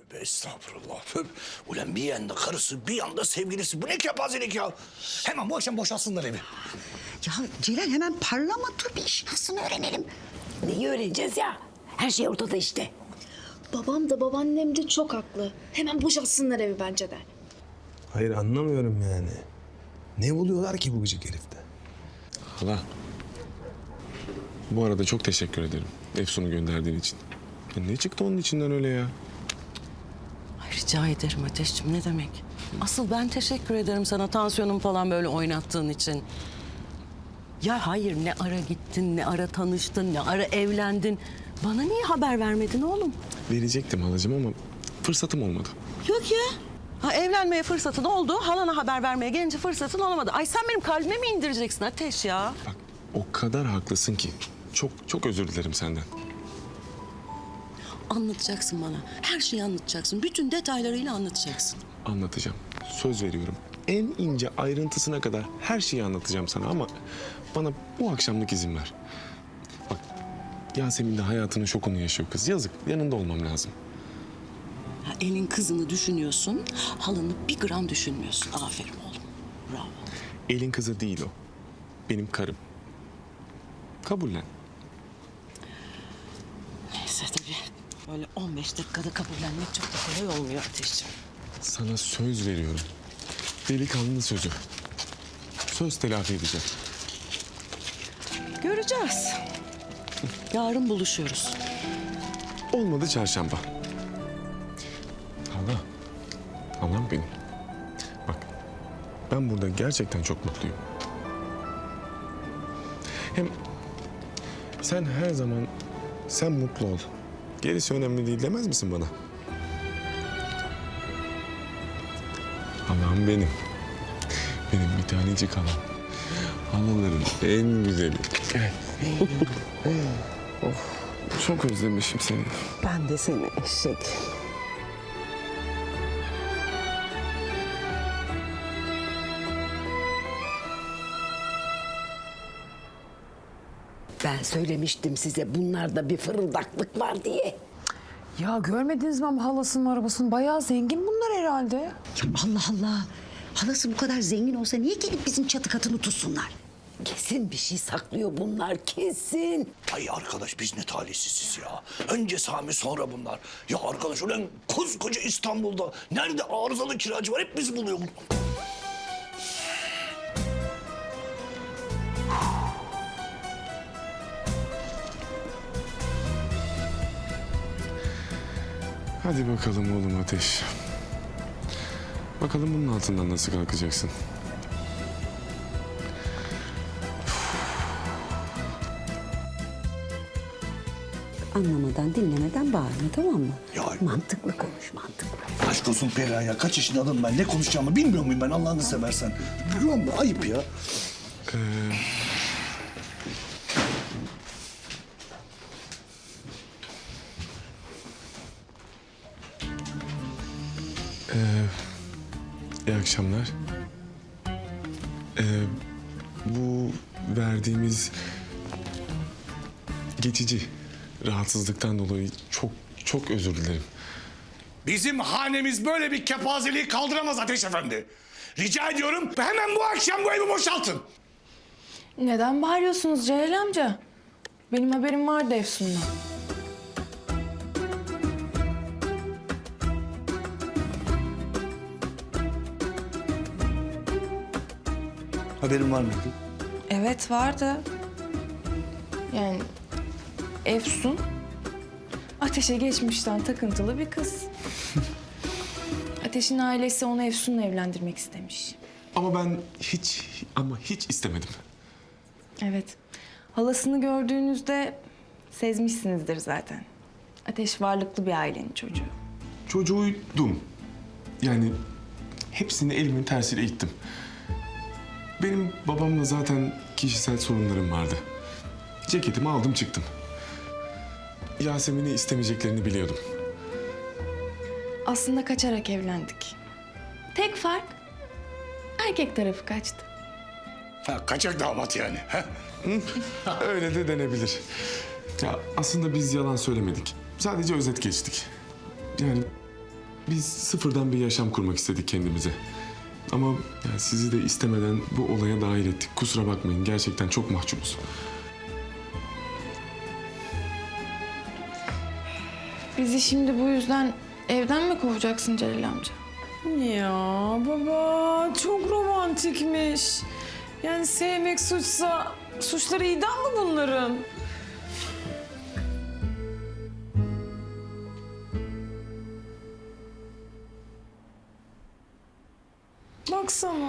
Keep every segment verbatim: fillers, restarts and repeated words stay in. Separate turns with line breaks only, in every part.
Tövbe estağfurullah. Tövbe. Ulan bir yanda karısı, bir yanda sevgilisi. Bu ne kepazelik ya? Hemen bu akşam boşalsınlar evi.
Ya Celal hemen parlama, dur bir iş nasıl öğrenelim.
Neyi öğreneceğiz ya? Her şey ortada işte.
Babam da babaannem de çok haklı. Hemen boşaltsınlar evi bence de.
Hayır anlamıyorum yani. Ne buluyorlar ki bu gıcık herifte?
Hala. Bu arada çok teşekkür ederim. Efsun'u gönderdiğin için. Ya ne çıktı onun içinden öyle ya?
Ay, rica ederim Ateşciğim, ne demek? Asıl ben teşekkür ederim sana tansiyonum falan böyle oynattığın için. Ya hayır, ne ara gittin, ne ara tanıştın, ne ara evlendin. Bana niye haber vermedin oğlum?
Verecektim halacığım ama fırsatım olmadı.
Yok ya. Ha, evlenmeye fırsatın oldu, halana haber vermeye gelince fırsatın olamadı. Ay sen benim kalbime mi indireceksin Ateş ya?
Bak o kadar haklısın ki. Çok çok özür dilerim senden.
Anlatacaksın bana. Her şeyi anlatacaksın. Bütün detaylarıyla anlatacaksın.
Anlatacağım. Söz veriyorum. En ince ayrıntısına kadar her şeyi anlatacağım sana ama bana bu akşamlık izin ver. Bak Yasemin de hayatının şokunu yaşıyor kız. Yazık. Yanında olmam lazım.
Ha, elin kızını düşünüyorsun, halanı bir gram düşünmüyorsun. Aferin oğlum. Bravo.
Elin kızı değil o. Benim karım. Kabullen.
Neyse tabii. Böyle on beş dakikada kabullenmek çok da kolay olmuyor Ateşciğim.
Sana söz veriyorum. Delikanlı sözü. Söz telafi edeceğim.
Göreceğiz. Yarın buluşuyoruz.
Olmadı çarşamba. Hala. Halam benim. Bak ben burada gerçekten çok mutluyum. Hem sen her zaman sen mutlu ol. Gerisi önemli değil demez misin bana? Halam benim. Benim bir tanecik halam. Halaların en güzeli. Gel. Of, çok özlemişim seni.
Ben de seni eşek.
Ben söylemiştim size bunlarda bir fırıldaklık var diye.
Ya görmediniz mi ama halasının arabasını? Bayağı zengin bunlar herhalde.
Ya Allah Allah. Halası bu kadar zengin olsa niye gelip bizim çatı katını tutsunlar?
Kesin bir şey saklıyor bunlar, kesin.
Ay arkadaş biz ne talihsiziz ya. Önce Sami sonra bunlar. Ya arkadaş ulan koskoca İstanbul'da nerede arızalı kiracı var hep biz buluyoruz.
Hadi bakalım oğlum Ateş. Bakalım bunun altından nasıl kalkacaksın?
Anlamadan dinlemeden bağırma, tamam mı?
Ya-
Mantıklı konuş, mantıklı.
Aşk olsun Perihan ya kaç yaşında adamım ben ne konuşacağımı bilmiyor muyum ben Allah'ını seversen. Biliyor musun ayıp ya.
İyi akşamlar. Ee, bu verdiğimiz geçici rahatsızlıktan dolayı çok çok özür dilerim.
Bizim hanemiz böyle bir kepazeliği kaldıramaz Ateş Efendi. Rica ediyorum hemen bu akşam bu evi boşaltın.
Neden bağırıyorsunuz Celal amca? Benim haberim vardı Efsun'dan.
Haberin var mıydı?
Evet vardı. Yani Efsun Ateş'e geçmişten takıntılı bir kız. Ateş'in ailesi onu Efsun'la evlendirmek istemiş.
Ama ben hiç ama hiç istemedim.
Evet. Halasını gördüğünüzde sezmişsinizdir zaten. Ateş varlıklı bir ailenin çocuğu.
Çocuğuydum. Yani hepsini elimin tersiyle ittim. Benim babamla zaten kişisel sorunlarım vardı. Ceketimi aldım çıktım. Yasemin'i istemeyeceklerini biliyordum.
Aslında kaçarak evlendik. Tek fark erkek tarafı kaçtı.
Ha, kaçak damat yani. Ha?
Öyle de denebilir. Ya aslında biz yalan söylemedik. Sadece özet geçtik. Yani Biz sıfırdan bir yaşam kurmak istedik kendimize. Ama yani sizi de istemeden bu olaya dahil ettik. Kusura bakmayın, gerçekten çok mahcubuz.
Bizi şimdi bu yüzden evden mi kovacaksın Celal amca?
Ya baba çok romantikmiş. Yani sevmek suçsa suçları idam mı bunların? Baksana.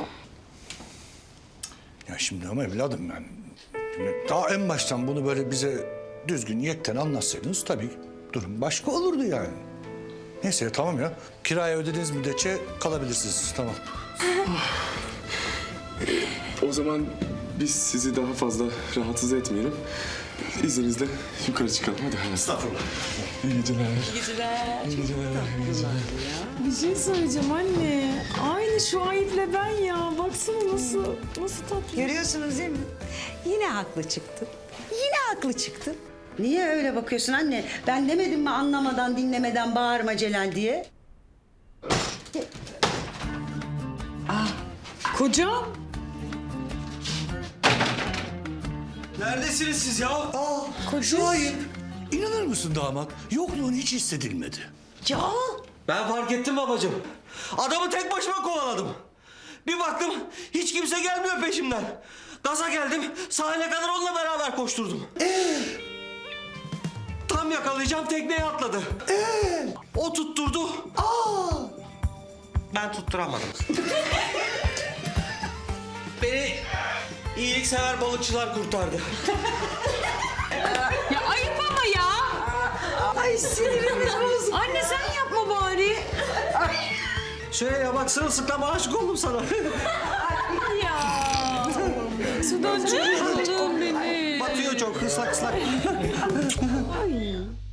Ya şimdi ama evladım ben... Şimdi daha en baştan bunu böyle bize düzgün yekten anlatsaydınız tabii durum başka olurdu yani. Neyse tamam ya. Kiraya ödediğiniz müddetçe kalabilirsiniz. Tamam.
O zaman biz sizi daha fazla rahatsız etmeyelim. İzninizle yukarı çıkalım. Hadi hayatım.
Estağfurullah.
İyi geceler.
İyi geceler.
İyi geceler. İyi geceler.
Bir şey söyleyeceğim anne. Aynı şu Ayıp'le ben ya. Baksana nasıl, nasıl tatlı.
Görüyorsunuz değil mi? Yine haklı çıktın. Yine haklı çıktın. Niye öyle bakıyorsun anne? Ben demedim mi anlamadan, dinlemeden bağırma Celal diye?
Kocam.
Neredesiniz siz ya? Aa, şu ayıp. İnanır mısın damat? Yokluğun hiç hissedilmedi.
Ya
Ben fark ettim babacığım. Adamı tek başıma kovaladım. Bir baktım hiç kimse gelmiyor peşimden. Gaza geldim, sahile kadar onunla beraber koşturdum. Ee? Tam yakalayacağım tekneye atladı. Ee? O tutturdu. Aa! Ben tutturamadım. Beni iyiliksever balıkçılar kurtardı.
Ya ayıp ama ya. Ay sinirimiz bozuldu. Anne sen yapma bari.
Şöyle ya bak sırılsıklam aşık oldum sana.
Ya. Sudan çıkmış oldum beni.
Batıyor çok ıslak ıslak.
Ay.